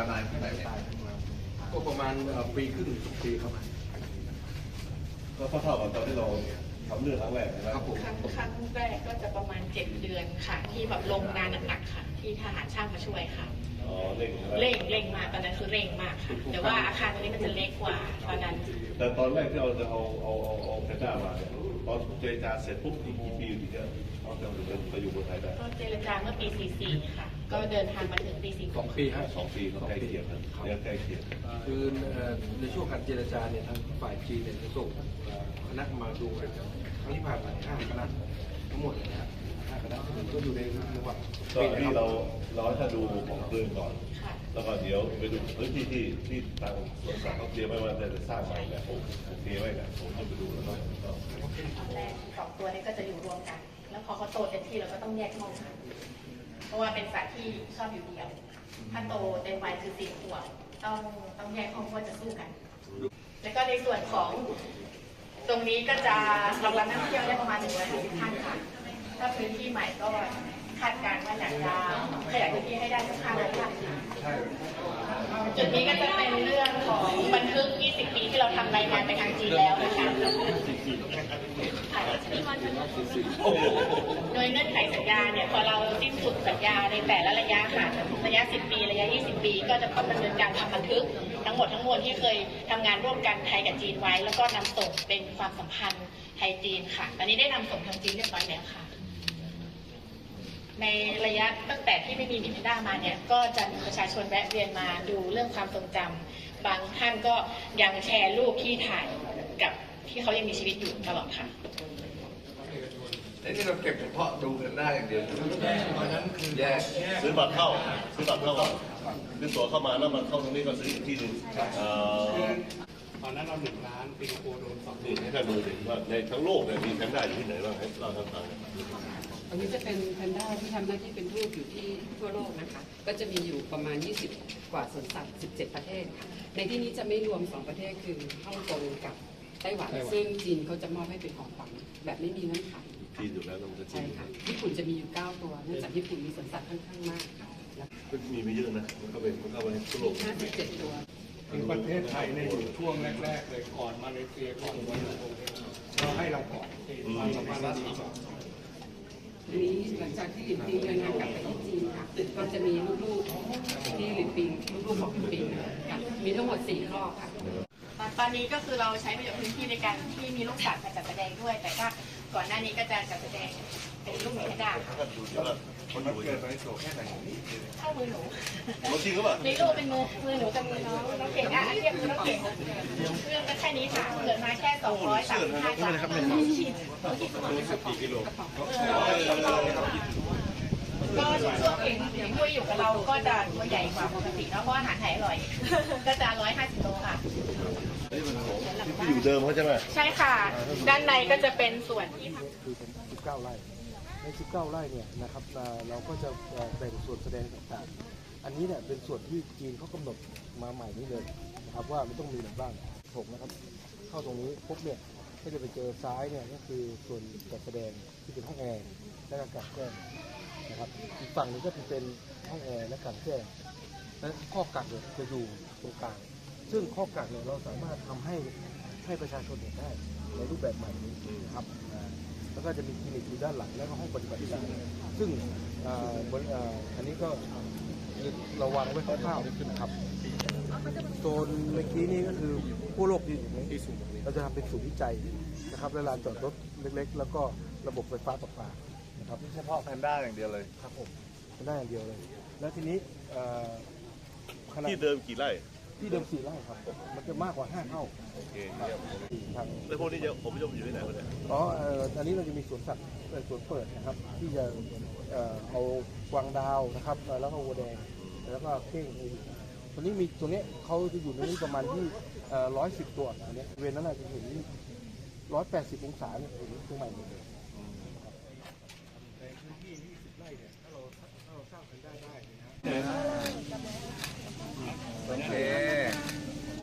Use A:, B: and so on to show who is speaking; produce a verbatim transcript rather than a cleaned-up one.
A: านานแค่ไหนเนี่ย
B: ก็ประมาณปีครึ่งปีครับ
C: ก็เท่ากับตอนที่เราทำเรื่องครั้งแรกนะครับผม
D: ครั้งครั้งแรกก็จะประมาณเจ็ดเดือนค่ะที่แบบลงงานหนักๆค่ะ ที่ทหารช่างมาช่วยค่ะ
C: อ๋อเร่งใช่ไหม
D: เร่งเร่งมากตอนนั้นคือเร่งมากค่ะแต่ว่าอาคารตรงนี้มันจะเล็กกว่าตอนนั้น
C: แต่ตอนแรกที่เราจะเอาเอาเอาเอาแพนด้ามาเนี่ยตอนเจรจาเสร็จปุ๊บอีกกี่ปีถึงจะเอาจะไปอยู่เมืองไทยได้
D: ก็เจรจาเมื่อปีสี่สี่ค่ะ ก็เดินทางมาถึงปีสี่
B: สองปีฮะ
C: สองปีก็ใกล้เคียงกันเนี่ยใกล้เคียง
B: คือในช่วงการเจรจาเนี่ยทางฝ่ายจีนเนี่ยจะส่งคณะมาดูกันครั้งที่ผ่านมาห้าคณะทั้งหมดเลยนะห้าคณะก็อยู่ในจังหวัด
C: ก็ที่เราเราให้ท่านดูของปืนก่อน
D: ค่ะ
C: แล้วก็เดี๋ยวไปดูพื้นที่ที่ที่ทางสวนสัตว์เขาเตรียมไว้ว่าจะสร้างใหม่แบบผมเตรียมไว้แบบผมจะไปดูแล้วก็
D: ตอนแรกสองตัวนี้ก็จะอยู่รวมกัน แล้วพอเขาโตเต็มที่เราก็ต้องแยกห้องค่ะเพราะว่าเป็นสัตว์ที่ชอบอยู่เดียว ถ้าโตเต็มวัยคือสี่ขวบต้องต้องแยกห้องเพราะจะสู้กัน แล้วก็ในส่วนของตรงนี้ก็จะรองรับนักท่องเที่ยวได้ประมาณหนึ่งร้อยห้าสิบท่านค่ะถ้าพื้นที่ใหม่ก็คาดการณ์ว่าอยากจะขยายพื้นที่ให้ได้สักห้าร้อยท่านจุดนี้ก็จะเป็นเรื่องของบันทึกยี่สิบปีที่เราทำรายงานไปทางจีนแล้วนะคะโดยเงื่อนไขสัญญาเนี่ยพอเราสิ้นสุดสัญญาในแต่ละระยะค่ะระยะสิบปีระยะยี่สิบปีก็จะต้องดำเนินการทำบันทึกทั้งหมดทั้งมวลที่เคยทำงานร่วมกันไทยกับจีนไว้ แล้วก็นำส่งเป็นความสัมพันธ์ไทยจีนค่ะตอนนี้ได้นำส่งทางจีนเรียบร้อยแล้วค่ะในระยะตั้งแต่ที่ไม่มีหมีแพนด้ามาเนี่ยก็จะมีประชาชนแวะเวียนมาดูเรื่องความทรงจำบางท่านก็ยังแชร์รูปที่ถ่ายกับที่เขายังมีชีวิตอยู่ตลอดค่ะ
A: ไอ้นี่เราเก็บเฉพาะดูกันได้อย่างเดียวเพราะฉะนั้นคือแยก
C: ซื้อบัตรเข้าซื้อบัตรเข้าก่อนซื้อตั๋วเข้ามาแล้วมันเข้าตรงนี้ก็ซื้ออีกที่หนึ่งเอ่อ
E: ตอนนั้นเราหนึ่งล้านสิงคโปร์โดนสอง
C: นี่ให้ท่านดูสิว่าในทั้งโลกเนี่ยมีแพนด้าอยู่ที่ไหนบ้างให้เราทำทาง
F: อันนี้จะเป็นแพนด้าที่ทำหน้าที่เป็นทูตอยู่ที่ทั่วโลกนะคะ ก็จะมีอยู่ประมาณยี่สิบกว่าสวนสัตว์สิบเจ็ดประเทศค่ะในที่นี้จะไม่รวมสองประเทศคือฮ่องกงกับไต้หวันซึ่งจีนเขาจะมอบให้เป็นของขวัญแบบไม่มีเงื่อนไข
C: ที่อยู่แล้วมันจะ
F: ใช่ค่ะญี่ปุ่นจะมีอยู่เก้าตัวเนื่องจากญี่ปุ่นมีสวนสัตว์ค่อนข้างมากค่ะแล้ว
C: ก็มีไม่เยอะนะมันก็เป็นมันก็เป็นทั่วโลก
F: ห้าสิบเจ็ดตัว
E: คือประเทศไทยในยอยู่ช่วงแรกๆเลยก่อนมาเลเซียก่อนวันโเราให้เราก่อนความสัมพันธ์เราดีก่อน
F: ทีนี้หลังจากที่หลินปิงเดินทางกลับไปที่จีนค่ะก็จะมีลูกๆที่หลินปิงลูกๆของหลินปิงค่ะมีทั้งหมดสี่ครอบค่ะ
D: ตอนนี้ก็คือเราใช้ประโยชน์พื้นที่ในการที่มีลูกสัตว์มาจัดแสดงด้วย แต่ก็ก่อนหน้านี้ก็จะจัดแสดงเป็นลูกหมีแพนด้า
C: ท่านดูดิว่าคนอยู่เกิดไปโตแค่ไหน
D: เท่ามือหนู
C: มันจริงหรือเปล่า
D: ในรูปเป็นมือมือหนูกับมือน้องน้องเก่งอ่ะเทียบมือน้องเก่งเรื่องก็แค่นี้ค่ะเกิดมาแค่สองร้อยสามสิบห้ากรัมขีดขีดสมอง
C: กี่กิโล
D: ก็ช่วงเก่งที่คุยอยู่กับเราก็จะตัวใหญ่กว่าปกติเนาะเพราะอาหารไทยอร่อย ก็จะร้อยห้าสิบโลค่ะ
C: ที่อยู่เดิมเขาใช่ไหม
D: ใช่ค่ะ ด้านในก็จะเป็นส่วนที่
G: คือเป็นสิบเก้าไร่ในสิบเก้าไร่เนี่ยนะครับเอ่อเราก็จะเอ่อแบ่งส่วนแสดงต่างๆอันนี้เนี่ยเป็นส่วนที่จีนเขากำหนดมาใหม่นี้เลยนะครับว่ามันต้องมีอะไรบ้างถกนะครับเข้าตรงนี้ปุ๊บเนี่ยก็จะไปเจอซ้ายเนี่ยก็คือส่วนจัดแสดงที่เป็นห้องแอร์และอากาศแจ้งนะครับอีกฝั่งหนึงก็จะเป็นห้องแอร์และอากาศแจ้งและข้อกักเนี่ยจะอยู่ตรงกลางซึ่งข้อกักเนี่ยเราสามารถทำให้ให้ประชาชนเห็นได้ในรูปแบบใหม่นี้นะครับอ่าแล้วก็จะมีคลินิกอยู่ด้านหลังแล้วก็ห้องปฏิบัติการซึ่งอ่าบริอ่าอันนี้ก็เราวางไว้คร่าวๆนะครับโซนเมื่อกี้นี่ก็คือผู้โลกที่ที่สูงเราจะทำเป็นศูนย์วิจัยนะครับและลานจอดรถเล็กๆ แล้วก็ระบบไฟฟ้าประปานะครับ
A: เฉพาะแพนด้าอย่างเดียวเลย
G: ครับผมเป็นได้อย่างเดียวเลย แล้วทีนี้เอ่อขนาด
C: ที่เดิมกี่ไร่
G: ที่เดิมสี่ไร่ครับ มันจะมากกว่าห้าเท่า
C: โอเคเยี่ยม
G: ครับ
C: แล้วพวกนี้จะผมจะอยู่ที่ไหนวะเนี่ย
G: อ๋อเอ่ออันนี้เราจะมีสวนสัตว์เอ่อสวนเปิดนะครับ ที่จะเอ่อเอากวางดาวนะครับเอ่อแล้วก็วัวแดง แล้วก็เก้งตัวนี้มีตัวนี้เขาจะอยู่ในนี้ประมาณที่ร้อยสิบตัวอันนี้เวรนั้นอาจจะเห็นร้อยแปดสิบองศาเนี่ยเห็นตรงใหม่หมดเลยในพื้นที่ยี่สิบไร่เนี่ยถ้าเราถ้าเราสร้างกันได้ได้นะ
A: โอเค